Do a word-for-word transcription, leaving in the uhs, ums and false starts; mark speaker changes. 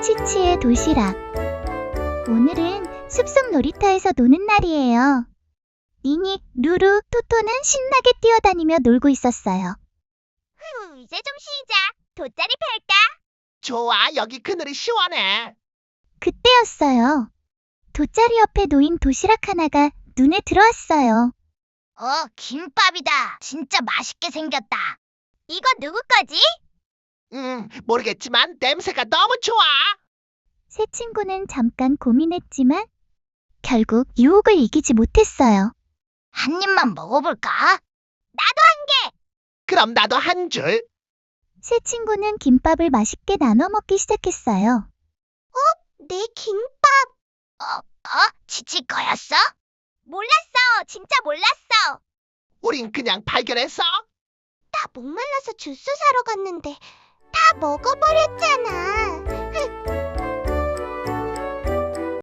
Speaker 1: 치치의 도시락. 오늘은 숲속 놀이터에서 노는 날이에요. 니닉, 루루, 토토는 신나게 뛰어다니며 놀고 있었어요.
Speaker 2: 후, 이제 좀 쉬자. 돗자리 펼까?
Speaker 3: 좋아, 여기 그늘이 시원해.
Speaker 1: 그때였어요. 돗자리 옆에 놓인 도시락 하나가 눈에 들어왔어요.
Speaker 2: 어, 김밥이다. 진짜 맛있게 생겼다. 이거 누구 거지?
Speaker 3: 음, 모르겠지만 냄새가 너무 좋아.
Speaker 1: 새 친구는 잠깐 고민했지만 결국 유혹을 이기지 못했어요.
Speaker 2: 한 입만 먹어볼까?
Speaker 3: 그럼 나도 한 줄.
Speaker 1: 새 친구는 김밥을 맛있게 나눠 먹기 시작했어요.
Speaker 2: 내 김밥. 어, 어? 지치 거였어? 몰랐어. 진짜 몰랐어.
Speaker 3: 우린 그냥 발견했어.
Speaker 2: 나 목말라서 주스 사러 갔는데 다 먹어버렸잖아.